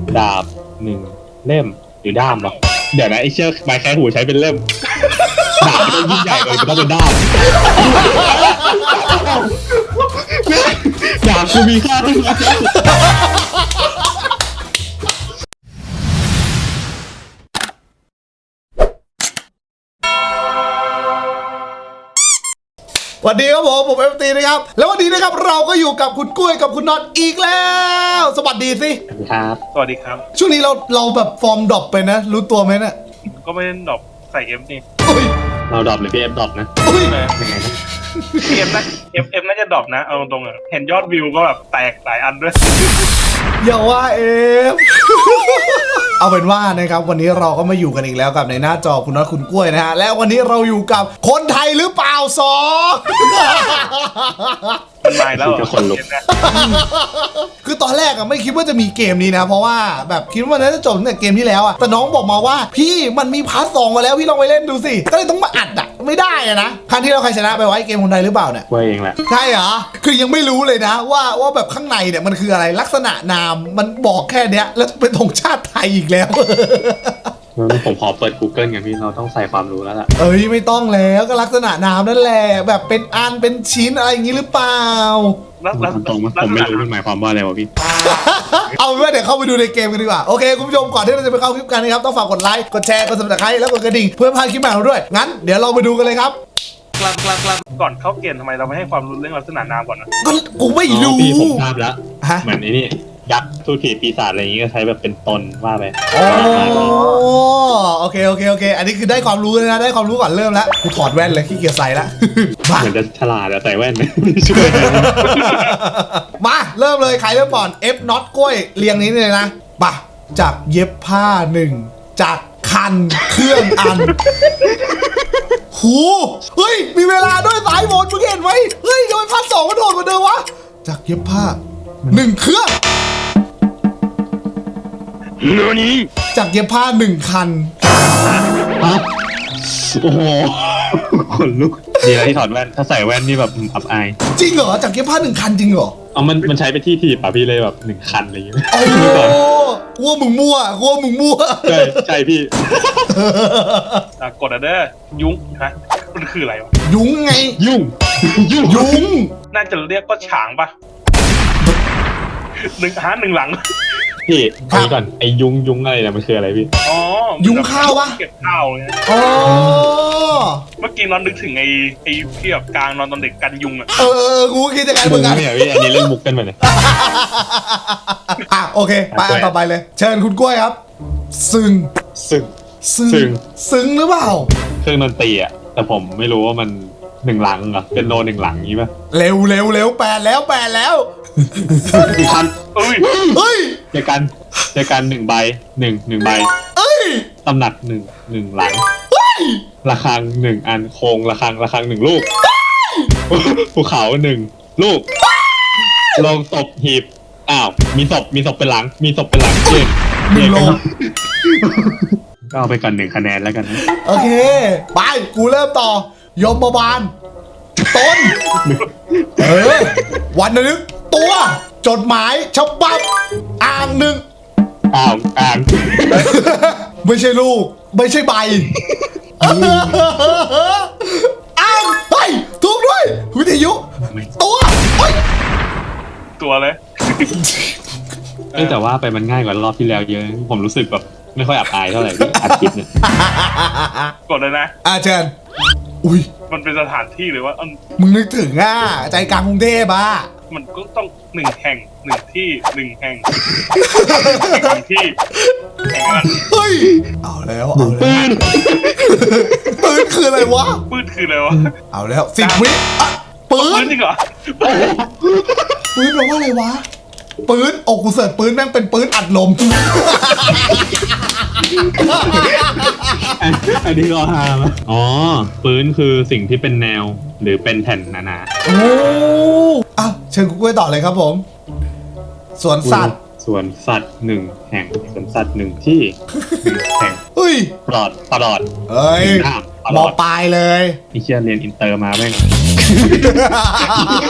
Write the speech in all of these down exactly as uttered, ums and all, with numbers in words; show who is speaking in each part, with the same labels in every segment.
Speaker 1: ดาบหนึ่งเล่มหรือด้ามวะเดี๋ยวนะไอ้เชือกไม้แค่หูใช้เป็นเล่มดาบมันต้องยิ่งใหญ่เลยมันต้องเป็นด้ามดาบกูมีค่าที่สุด
Speaker 2: สวัสดีครับผมผมเอฟตีนะครับแล้ววันนี้นะครับเราก็อยู่กับคุณกุ้ยกับคุณน็อตอีกแล้วสวัสดีสิ
Speaker 1: ครับ
Speaker 3: สวัสดีครับ
Speaker 2: ช่วงนี้เราเราแบบฟอร์มดรอปไปนะรู้ตัวไหมเนี่ย
Speaker 3: ก็ไม่ได้ดรอปใส่เอฟนี่
Speaker 1: เราดรอปหรือพี่เอฟดรอปนะ
Speaker 3: ยังไงนะเอฟนะเอฟเอฟน่าจะดรอปนะเอาตรงๆอ่ะเห็นยอดวิวก็แบบแตกหลายอันด้วย
Speaker 2: อย่าว่าเอฟเอาเป็นว่านะครับวันนี้เราก็มาอยู่กันอีกแล้วกับในหน้าจอคุณน็อตคุณกล้วยนะฮะและวันนี้เราอยู่กับคนไทยหรือเปล่าสอง
Speaker 3: มันมาแล้ว
Speaker 1: ก็คนลุก
Speaker 2: คือตอนแรกอะไม่คิดว่าจะมีเกมนี้นะเพราะว่าแบบคิดว่ามันน่าจะจบตั้งแต่เกมที่แล้วอะแต่น้องบอกมาว่าพี่มันมีพาร์ทสองมาแล้วพี่ลองไปเล่นดูสิก็เลยต้องมาอัดอะไม่ได้อะนะครั้งที่เราใครชนะไปไว้เกมคนไทยหรือเปล่าเนี่ย
Speaker 1: ว่าเองแหละ
Speaker 2: ใช่เหรอคือยังไม่รู้เลยนะว่าว่าแบบข้างในเนี่ยมันคืออะไรลักษณะนามมันบอกแค่เนี้ยแล้วเป็นธงชาติไทยอีกแล้ว
Speaker 1: ผมขอเปิด Google ไงพี่เราต้องใส่ความรู้แล้วล่ะ
Speaker 2: เอ้ยไม่ต้องแล้วก็ลักษณะนามนั่นแหละแบบเป็นอันเป็นชิ้นอะไรอย่างงี้หรือเปล่า
Speaker 1: ตรงๆผมไม่รู้มันหมายความว่าอะไรวะพี่
Speaker 2: เอาเป็นว่าเดี๋ยวเข้าไปดูในเกมกันดีกว่าโอเคคุณผู้ชมก่อนที่เราจะไปเข้าคลิปกันนะครับต้องฝากกดไลค์กดแชร์กดซับสไครต์แล้วกดกระดิ่งเพื่อไม่พลาดคลิปใหม่ของเราด้วยงั้นเดี๋ยวเราไปดูกันเลยครับ
Speaker 3: กลับกลับกลับก่อนเข้าเกมทำไมเราไม่ให้ความรู้เรื่องลักษณะนามก่อนนะ
Speaker 2: ก็กูไม่รู้
Speaker 1: พี่ผมทราบแล้วเหมือนไอ้นี่ยักษ์ทูตผีปีศาจอะไรอย่างงี้ก็ใช้แบบเป็นตนว่าไป
Speaker 2: โอ้โอเคโอเคโอเคอันนี้คือได้ความรู้เลยนะได้ความรู้ก่อนเริ่มแล้วกูถอดแว่นเลยขี้เกียจใส่ละ
Speaker 1: เหมือนจะฉลาดแต่ใส่แว่นไม่ช่วย
Speaker 2: มาเริ่มเลยใครเริ่มก่อน F น็อตกล้วยเรียงนี้เลยนะป่ะจากเย็บผ้าหนึ่งจากคันเครื่องอันหูเฮ้ยมีเวลาด้วยสายหมดมึงเห็นไหมเฮ้ยทำไมพาร์ทสองมันโดดกว่าเดิมวะจากเย็บผ้าหนึ่งเครื่องจากเย็บผ้าหนึ่งคัน
Speaker 1: โอ้โหขนลุกดีแล้วที่ถอดแว่นถ้าใส่แว่นนี่แบบอับอาย
Speaker 2: จริงเหรอจากเย็บผ้าหนึ่งคันจริงเหรอ
Speaker 1: เอามันมันใช้ไปที่ทีป่ะพี่เลยแบบหนึ่งคันอะไรอย่างเงี้ย
Speaker 2: โอ้กลัวมึงมั่วกลัวมึงมั่ว
Speaker 1: ใช่ใช่พี่
Speaker 3: กดอะเด้อยุ้งฮะมันคืออะไรวะ
Speaker 2: ยุ้งไง
Speaker 1: ยุ่งยุ่ง
Speaker 2: ยุ้ง
Speaker 3: น่าจะเรียกก็ฉางป่ะหนึ่งหาหนึ่งหลัง
Speaker 1: พี่พี่ก่อนไอ้ยุงยุงอะไรเนี่ยมันคืออะไรพี่
Speaker 3: อ๋อ
Speaker 2: ยุงข้าวปะ
Speaker 3: เก็บข้าวเลย
Speaker 2: อ๋อ
Speaker 3: เมื่อกี้นอนนึกถึงไอ้ไอ้ที่แบบกลางนอนตอนเด็กกันยุงอ่ะ
Speaker 2: เออกูคิดจะกันเหมือนกัน
Speaker 1: เนี่ยพี่อันนี้เล่นมุกกันไปเลย
Speaker 2: อ่ะโอเคไปอันต่อไปเลยเชิญคุณกล้วยครับซึ้ง
Speaker 1: ซึ้ง
Speaker 2: ซึ้งซึ้งหรือเปล่า
Speaker 1: เครื่องดนตรีอ่ะแต่ผมไม่รู้ว่ามันหนึ่งหลังเหรอเป็นโนหนึ่งหลังนี้ป่ะ
Speaker 2: เร็วเร็วเร็วแปดแล้วแปดแล้ว
Speaker 1: คัน
Speaker 3: เฮ้ย
Speaker 2: เฮ้ย
Speaker 1: เจอกันเจอกันหนึ่งใบหนึ่งหนึ่งใบ
Speaker 2: เอ้ย
Speaker 1: ตำหนักหนึ่งหนึ่งหลังระฆังหนึ่งอันโคงระฆังระฆังหนึ่งลูกภูเขาหนึ่งลูกลงศพหีบอ้าวมีศพมีศพเป็นหลังมีศพเป็นหลังเจ็ด
Speaker 2: หนึ่งลง
Speaker 1: ก็เอาไปก่อนหนึ่งคะแนนแล้วกันนะ
Speaker 2: โอเคไปกูเริ่มต่อยมบาลต้นเออวันนึกตัวจดหมายฉบับอ่างหนึ่ง
Speaker 1: อ่างอ่าง
Speaker 2: ไม่ใช่ลูกไม่ใช่ใบอ่างเฮ้ยถูกด้วยวิทยุตัวเฮ้ย
Speaker 3: ตัวเลย
Speaker 1: แต่ว่าไปมันง่ายกว่ารอบที่แล้วเยอะผมรู้สึกแบบไม่ค่อยอับอายเท่าไหร่อัดคลิปเนี่ย
Speaker 3: กดเลยนะ
Speaker 2: อ่าเชิญอุ้ย
Speaker 3: มันเป็นสถานที่หรือว่า
Speaker 2: มึงนึกถึงอ่ะใจกลางกรุงเทพอ่ะ
Speaker 3: มันก็ต้องหนึ่งแห่งหนึ่งที่หนึ่งแห่งหนึ่งที่
Speaker 2: เฮ้ยเอาแล้วเอาแล้วปืนคืออะไรวะ
Speaker 3: ปืนคืออะไรวะ
Speaker 2: เอาแล้วสิบวิปืน
Speaker 3: จริงเหรอ
Speaker 2: ปืนแปลว่าอะไรวะปืนโอ้กูเสิร์ชปืนแม่งเป็นปืนอัดลม
Speaker 1: อันนี้ก็ฮาไหมอ๋อปืนคือสิ่งที่เป็นแนวหรือเป็นแผ่นหนาๆ
Speaker 2: โอ้อ่ะเชิญคุณกล้วยต่อเลยครับผมสวนสัตว์
Speaker 1: สวนสัตว์หนึ่งแห่งสวนสัตว์หนึ่งที่หนึ่งแห่ง
Speaker 2: เฮ้ย
Speaker 1: ปลอดปลอด
Speaker 2: เอ้ยมอปลายเลย
Speaker 1: ไอ้เชี่ยเรียนอินเตอร์มาแม่ง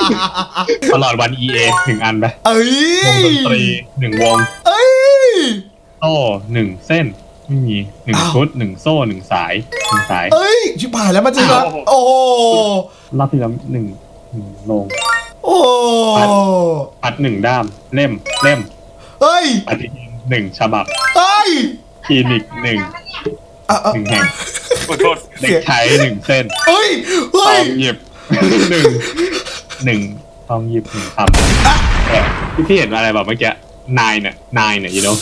Speaker 1: ตลอดวัน อี เอ หนึ่งอันไป
Speaker 2: เอ้ยว
Speaker 1: งดนตรีหนึ่งวง
Speaker 2: เอ้ย
Speaker 1: โซ่หนึ่งเส้นไม่มีหนึ่งชุดหนึ่งโซ่หนึ่งสายหนึ่งสาย
Speaker 2: เอ้ยชิบหายแล้วมันจริงเหรอโอ้โห
Speaker 1: รอบที่แล้วหนึ่งหนึ่งลง
Speaker 2: โอ้
Speaker 1: ปัดหนึ่งด้ามเล่มเล่ม
Speaker 2: เฮ้ย
Speaker 1: ปฏิทินหนึ่งฉบับ
Speaker 2: เฮ้ย
Speaker 1: คลินิกหนึ่ง
Speaker 2: อ่ะอ่ะ
Speaker 1: หนึ่งแห่ง
Speaker 3: ขอโทษ
Speaker 1: เด็กใช้หนึ่งเส้น
Speaker 2: เฮ้ย
Speaker 1: ท
Speaker 2: เฮ้
Speaker 1: อย งหยิบ หนึ่งหนึ่งทองหยิบหนึ่งคำแต่ที่พี่เห็นอะไรแบบเมื่อกี้นายเนี่ยนายเนี่ยยูโน่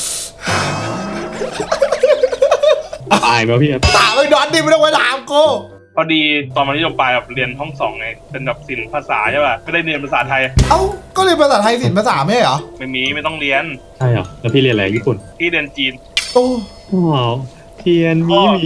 Speaker 1: อายไหมพี่ครับ
Speaker 2: ถามไอ้ดอนดิไม่ต้องมาถามกู
Speaker 3: พอดีตอนมัธยมปลายแบบเรียนห้องสองไงเป็นแบบศิลป์ภาษาใช่ป่ะไม่ได้เรียนภาษาไทย
Speaker 2: เอ้าก็เรียนภาษาไทยศิลป์ภาษาไม่ใช่เหรอ
Speaker 3: ไม่มีไม่ต้องเรียน
Speaker 1: ใช่เหรอแล้วพี่เรียนอะไรญี่ปุ่น
Speaker 3: ที่เรียนจีน
Speaker 2: โอ้
Speaker 1: ว้าวเทียนมีมี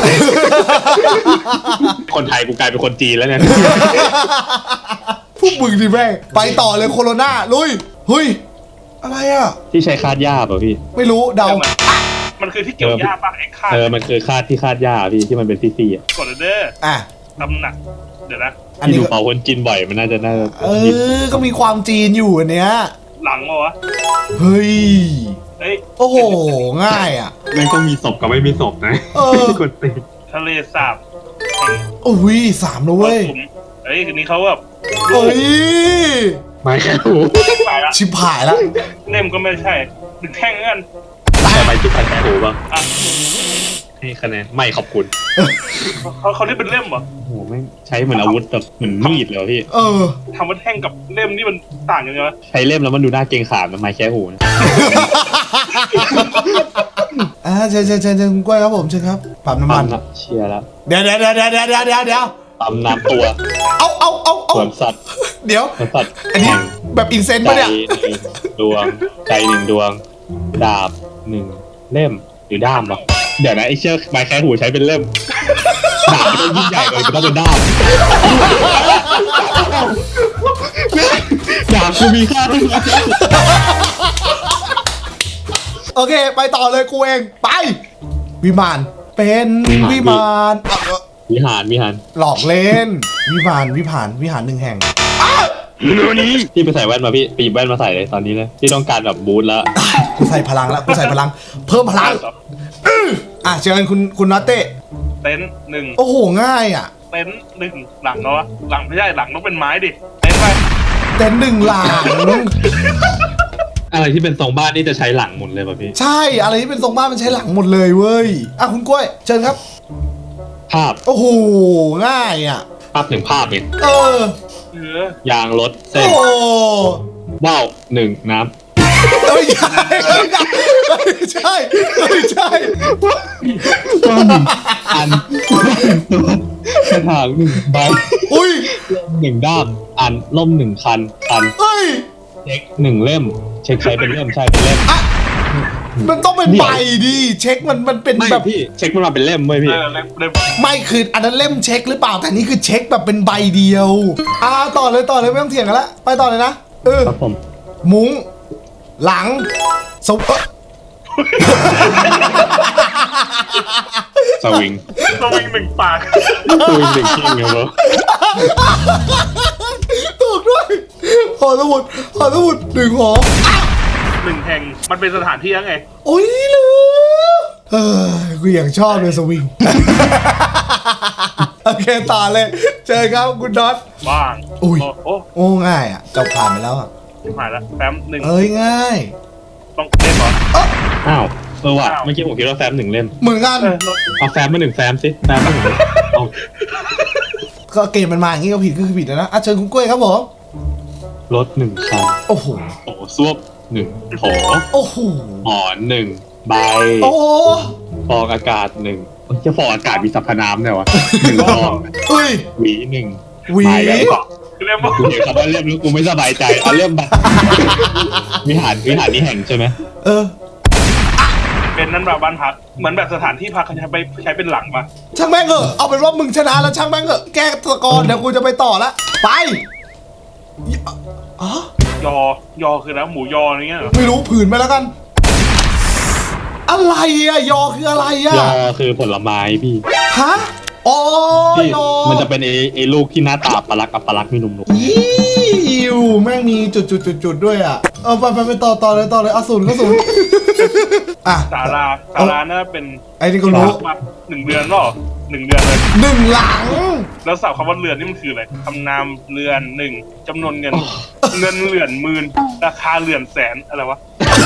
Speaker 1: คนไทยกูกลายเป็นคนจีนแล้วเนี่ย
Speaker 2: พวกมึงดิแม่งไปต่อเลยโคโรนาลุยเฮ้ยอะไรอ่ะ
Speaker 1: ที่ใช้คาดหญ้าป่ะพี่
Speaker 2: ไม่รู้เดา
Speaker 3: แต่มันมันคือที่เกี่ยวหญ้าป่ะไอ้คาด
Speaker 1: เออมันคือคาดที่คาดหญ้าพี่ที่มันเป็นซี่ๆอ่ะ
Speaker 3: กดเด้อ
Speaker 2: อ่ะ
Speaker 3: ตำหนักเดี๋ยวนะ
Speaker 2: อัน
Speaker 1: ที่
Speaker 2: นี้
Speaker 1: ดู
Speaker 2: ก็
Speaker 1: เป่าคนจีนบ่อยมันน่าจะน่าจะ
Speaker 2: เออก็มีความจีนอยู่อันเนี้ย
Speaker 3: หลังมาวะ
Speaker 2: เฮ้ย
Speaker 3: เอ้ย
Speaker 2: โอ้โหง่ายอ่ะ
Speaker 1: ไม่ต้องมีศพกับไม่มีศพนะ
Speaker 2: เออ
Speaker 1: คนตี
Speaker 3: ทะเลสาบแห่ง
Speaker 2: โอ้ยสามแล้วเว้ย
Speaker 3: มรสุมเอ้ยคืนนี้เขาแบบ
Speaker 2: เอ้ย
Speaker 1: ไม่แค่หู
Speaker 3: ไปละ
Speaker 2: ชิบหายแล้ว
Speaker 3: เล่มก็ไม่ใช่หนึ่งแท่งกัน
Speaker 1: แต่ไปที่พันแค่หูบ้าง
Speaker 3: อ่ะ
Speaker 1: ให้คะแนนไม่ขอบคุณ
Speaker 3: เขาเขาเรียกเป็นเล่มเหรอ
Speaker 1: โอ้โหไม่งใช้เหมือนอาวุธแบบเหมือนมีดเลยว่ะพี่
Speaker 2: เออ
Speaker 3: ทำว่าแท่งกับเล่มนี่มันต่างกันยังไงวะ
Speaker 1: ใช้เล่มแล้วมันดูน่าเกรงขามนะไม้แค่หูนะ
Speaker 2: อ่าเชิญเชิญเชิญเชิญคุณกล้วยครับผมเชิญครับปั๊มน้ำมัน
Speaker 1: ปั๊มเชียร์แล้ว
Speaker 2: เดี๋ยวเดี๋ยวเดี๋ยวเดี๋ยวเดี๋ยวเดี๋ยวเดี๋ยวเดี๋ยว
Speaker 1: ปั๊มน้ำตัว
Speaker 2: เอาเอาเอาเอา
Speaker 1: สวนสัตว์
Speaker 2: เดี๋ยว
Speaker 1: สวนสัตว์
Speaker 2: อันนี้แบบอินเซนต์
Speaker 1: ใจ
Speaker 2: ปะเนี่ย
Speaker 1: หนึ่งดวงใจหนึ่งดวง ดาบหนึ่งเล่มหรือด้ามวะเดี๋ยวนะไอ้เชือกไม้แค่หูใช้เป็นเล่มดาบมันต้องยิ่งใหญ่เลยมันต้องเป็นด้ามดาบกูมีค่าที่สุด
Speaker 2: โอเค ไปต่อเลยกูเองไป วิมานเป็นวิมานอ่ะเอ่อ
Speaker 1: วิหารวิหาร
Speaker 2: หลอกเล่น วิมานวิหารวิหารหนึ่งแห่ง
Speaker 1: พี่ไปใส่แว่นมาพี่ปีบแว่นมาใส่เลยตอนนี้เลยพี่ต้องการแบบบูทแล้ว
Speaker 2: กูใส่พลังแล้วกูใส่พลัง เพิ่มพลังอ่ะเชิญคุณคุณน็อตเต้
Speaker 3: เต็นท์หนึ่ง
Speaker 2: โอ้โหง่ายอ่ะ
Speaker 3: เต็นท์หนึ่งหลังเนาะหลังไม่ใช่หลังต้องเป็นไม้ดิเต็นท์ไป
Speaker 2: เต็นท์หนึ่งหลัง
Speaker 1: อะไรที่เป็นทรงบ้านนี่จะใช้หลังหมดเลยป่ะพี่
Speaker 2: ใช่อะไรที่เป็นทรงบ้านมันใช้หลังหมดเลยเว้ยอ่ะคุณกล้วยเชิญครับ
Speaker 1: ภาพ
Speaker 2: โอ้โหง่ายอ่ะ
Speaker 1: ภาพหนึ่งภาพเนี่ย
Speaker 2: เออ
Speaker 3: เออย
Speaker 1: างรถเส้
Speaker 2: โอ้
Speaker 1: นว่าวหนึ่งน้
Speaker 2: เอ้ยใช่ไม่ใช่ไม่ใช่
Speaker 1: ำว่าวหนึ่งอันตัวกระถางหนึ่งใบ
Speaker 2: อุ้ย
Speaker 1: หนึ่งด้ามอันล่มหนึ่งคันคัน
Speaker 2: เอ้ย
Speaker 1: เช็คหนึ่งเล่ม เช็คใช้เป็นเล่มใช่เป็นเล่ม
Speaker 2: อ่ะมันต้องเป็นใบดิเช็คมันมันเป็น
Speaker 1: ไม่
Speaker 2: แบบ
Speaker 1: พี่เช็คมันมาเป็นเล่มเว้ย
Speaker 3: เอ
Speaker 1: พี่
Speaker 3: อเล่มเล่ม
Speaker 2: ไม่คืออันนั้นเล่มเช็คหรือเปล่าแต่นี่คือเช็คแบบเป็นใบเดียวอ่าต่อเลยต่อเลยไม่ต้องเถียงกันละไปต่อเลยนะเออ
Speaker 1: ครับผม
Speaker 2: มุ้งหลังสวเอ้อ
Speaker 1: สวิง
Speaker 3: สวิงหนึ่งปาก
Speaker 1: สวิงหนึ่งคิงครับผม
Speaker 2: ถูกด้วยหอสมุดหอสมุดหนึ่งหอ
Speaker 3: หนึ่งแห่งมันเป็นสถานที่ยังไง
Speaker 2: โอ้ยลืมเออกูอย่างชอบเลยสวิง โอเคต่อเลย เจอครับคุณน็อต
Speaker 3: บ้าง
Speaker 2: อุ้ย
Speaker 3: โโอ้
Speaker 2: โอ้ง่ายอ่ะเจ้าผ่านไปแล้วอ่ะ
Speaker 3: ชิบหายแล้วแฟ้มหนึ่ง
Speaker 2: เอ้ยง่าย
Speaker 3: ต้องเล่มเหรอ
Speaker 1: อ้าวเออว่ะ
Speaker 3: อ้าว
Speaker 1: เมื่อกี้ผมคิดว่าแฟมหนึ่งเล่ม
Speaker 2: เหมือนกัน
Speaker 3: เออ
Speaker 1: เอาแฟมมาหนึ่งแฟมสิแฟมมาหนึ่งเอา
Speaker 2: ก็เกมมันมาอย่างนี้ก็ผิดก็คือผิดแล้วนะอ่ะเชิญคุณกล้วยครับผม
Speaker 1: รถหนึ่งคัน
Speaker 2: โอ้โห
Speaker 1: โถซวบหนึ่งโถ
Speaker 2: โอ้โห
Speaker 1: หมอนหนึ่งใบ
Speaker 2: โอ้
Speaker 1: ฟองอากาศหนึ่งเอ้ยจะฟองอากาศมีสรรพนามเนี่ยวะหนึ่งฟอง
Speaker 2: เฮ้ย
Speaker 1: หวีหนึ่ง
Speaker 2: หวี
Speaker 1: ไปแล้ว
Speaker 3: เล่มบอก
Speaker 1: กูเห็นคำว่าเล่มแล้วกูไม่สบายใจเอาเล่มไปวิหารวิหารนี้แห่งใช่ไหม
Speaker 2: เออ
Speaker 3: เป็นนั่นแบบบ้านพักเหมือนแบบสถานที่พักเขาใช้ไปใช้เป็นหลังปะ
Speaker 2: ช่างแม่งเหอะเอาเป็นว่ามึงชนะแล้วช่างแม่งเหอะแก้ตะกอนเดี๋ยวกูจะไปต่อละไปอ๋อย
Speaker 3: อยอคือนะหมูยออะไรเงี้ยเหรอ
Speaker 2: ไม่รู้ผืนไปแล้วกัน อะไรอะยอคืออะไรอะ
Speaker 1: ยอคือผลไม้พี่
Speaker 2: ฮะอ๋อ
Speaker 1: ที่
Speaker 2: ยอ
Speaker 1: มันจะเป็นไอ้ไอ้ลูกที่หน้าตาปลาลักกับปลาลักมีหนุ่ม
Speaker 2: ยิวแม่งมีจุดจุดจุดจุดๆๆๆด้วยอ่ะ เออไปไปไปต่อต่อเลยต่อเลยเอาศูนย์ก็ศูนย์อ่ะ
Speaker 3: สาราสาราน่าเป็น
Speaker 2: ไอ้นี่ก็รู้
Speaker 3: มาหนึ่งเดือนหรอหนึ่งเดือนเลย
Speaker 2: หนึ่งหลัง
Speaker 3: แล้วสับคำว่าเรือนนี่มันคืออะไรคำนามเรือนหนึ่งจำนวนเงิน เงินเหรียญหมื่นราคาเหรียญแสนอะไรวะ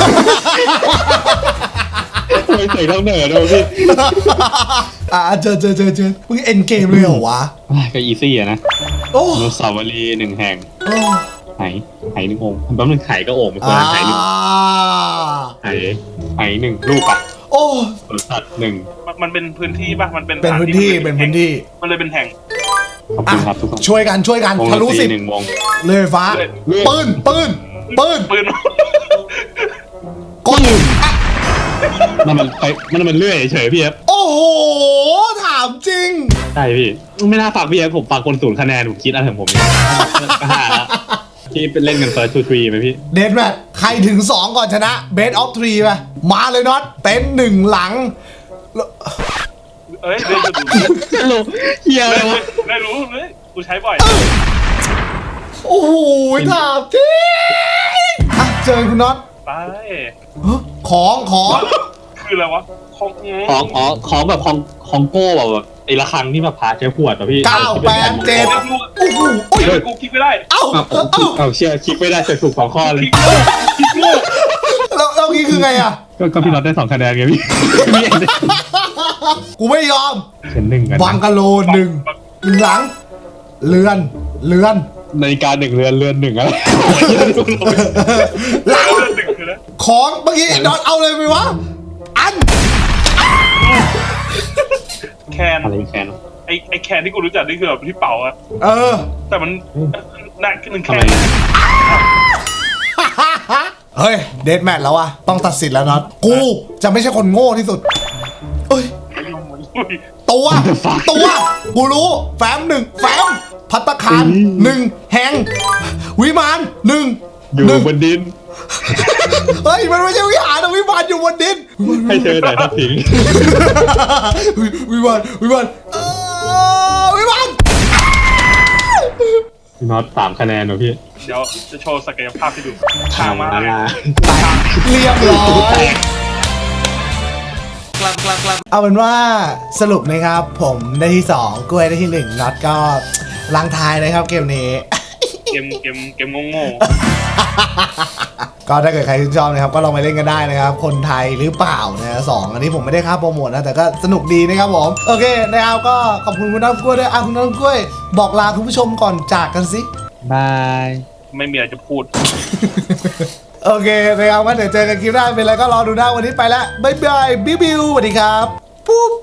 Speaker 1: ไม่ใส่ต้องเหนือด้วยพี่
Speaker 2: อ่ะเจอเจอเจอเจอมึงเอ็นเกมเลยเหรอวะ
Speaker 1: ก็อีซี่อะนะ
Speaker 2: โอ้
Speaker 1: อนุสาวรีย์หนึ่งแห่ง
Speaker 2: โอ้
Speaker 1: ไหไหหนึ่งองค์แป๊บนึงไข่ก็โอ่งไม่ควร
Speaker 2: อ่า
Speaker 1: ไหหนึ่งไหไหหนึ่งลูกอะ
Speaker 2: โอ้
Speaker 1: สวนสัตว์หนึ่ง
Speaker 3: มันมันเป็นพื้นที่ป่ะมันเป็น
Speaker 2: เป็นพื้นที่เป็นพื้นที่
Speaker 3: มันเลยเป็นแห่ง
Speaker 1: ขอบคุณครับทุกคน
Speaker 2: ช่วยกันช่วยกัน
Speaker 1: วง
Speaker 2: ทะลุ
Speaker 1: ดนต
Speaker 2: สิบ
Speaker 1: หนึ่งวง
Speaker 2: เลยไฟฟ้า
Speaker 3: เลย
Speaker 2: ปืนปืนปืน
Speaker 3: ปืน
Speaker 2: กดอ่ะ
Speaker 1: นั่นมันไปนั่นมันเลื่อยเฉยๆพี่เอฟ
Speaker 2: โอ้โหถามจริง
Speaker 1: ใช่พี่ไม่น่าฝากพี่เอฟผมฝากคนศูนย์คะแนนผมคิดอะไรของผมเนี่ยก็ห้าแล้วพี่เป็นเล่นกัน first two three ไหมพี่
Speaker 2: เดนแมทใครถึงสองก่อนชนะเบสออฟทรีไปมาเลยน็อตเต็นท์หนึ่งหลังแล้ว
Speaker 3: เอ้ยเดินจะดู
Speaker 1: ฮัลโหลเฮียอะไรวะ
Speaker 3: ได้รู้เลยกูใช้บ่อย
Speaker 2: โอ้โหถามจริงอ่ะเจอคุณน็อต
Speaker 3: ไป
Speaker 2: เฮ้ยของของ
Speaker 3: คืออะไรวะของ
Speaker 1: ของอ๋อของแบบของของโก้แบบไอ้ระฆังที่มาพาใช้ขวดป่ะพี่
Speaker 2: เก้าแปดเจ็ดโอ้โหโอ้ย
Speaker 3: เฮ้ยกูคิดไม่ได้
Speaker 2: เอ้า
Speaker 1: อ้าว
Speaker 2: เอ้าเอ้า
Speaker 1: เอาเชื่อคลิกไม่ได้เสร็จถูกสองข้อเลย
Speaker 3: คิดโง่คิดโง่
Speaker 2: แล้วแล้วนี่คือไงอ่ะ
Speaker 1: ก็ก็พี่น็อตได้สองคะแนนไงพี่พี่เอ็น
Speaker 2: กูไม่ยอม
Speaker 1: เป็นหนึ่งกัน
Speaker 2: วังกะโลหนึ่งหนึ่งหลัง เรือนเรือน
Speaker 1: นาฬิกาหนึ่งเรือนเรือนหนึ่งอะไร
Speaker 2: หลัง
Speaker 3: เรื่องหนึ่งคือนะ
Speaker 2: ของเมื่อกี้น็อตเอาเลยไหมวะอัน
Speaker 3: แคน
Speaker 1: อะไรแคน
Speaker 3: ไอไอแคนที่กูรู้จักนี่คือแบบที่เป่าอะ
Speaker 2: เออ
Speaker 3: แต่มันน่าขึ้นหนึ่งแค
Speaker 1: ทำไม
Speaker 3: น
Speaker 2: เฮ้ยเดทแมทแล้ววะต้องตัดสินแล้วน็อตกูจะไม่ใช่คนโง่ที่สุดเอ้ย ตัว ตัว กูรู้ แฟ้มหนึ่งแฟ้มพัตตาคารหนึ่งแหงวิมานหนึ่ง
Speaker 1: อยู่
Speaker 2: หนึ่ง
Speaker 1: บนดิน
Speaker 2: เฮ้ย มันไม่ใช่วิหารนะวิมานอยู่บนดิน
Speaker 1: ให้เธอหน่อยทักทิ้ง
Speaker 2: วิวิมานวิมานเอ่อวิมาน
Speaker 1: พี่น็อตสามคะแนนเหรอพี่
Speaker 3: เดี๋ยวจะโชว์ศักยภาพให้ดูทางมา
Speaker 1: อ่
Speaker 2: เรียบร้อยเอาเป็นว่าสรุปนะครับ ผมได้ที่สองกล้วยได้ที่หนึ่งน็อตก็ลังทายนะครับเกมนี้
Speaker 3: เกมเกมเกมโง่
Speaker 2: ก็ถ้าเกิดใครชื่นชอบนะครับก็ลองไปเล่นกันได้นะครับ คนไทยหรือเปล่านะสองอันนี้ผมไม่ได้ค่าโปรโมทนะแต่ก็สนุกดีนะครับผมโอเคนะครับก็ขอบคุณคุณน้ำกล้วยด้วยอ่ะคุณน้ำกล้วย บอกลาคุณผู้ชมก่อนจากกันสิ
Speaker 1: บาย
Speaker 3: ๆไม่มีอะไรจะพูด
Speaker 2: โอเคนะครับงั้นเดี๋ยวเจอกันคลิปหน้าเป็นไรก็รอดูหน้าวันนี้ไปแล้วบ๊ายบายบิวบิวสวัสดีครับปุ๊บ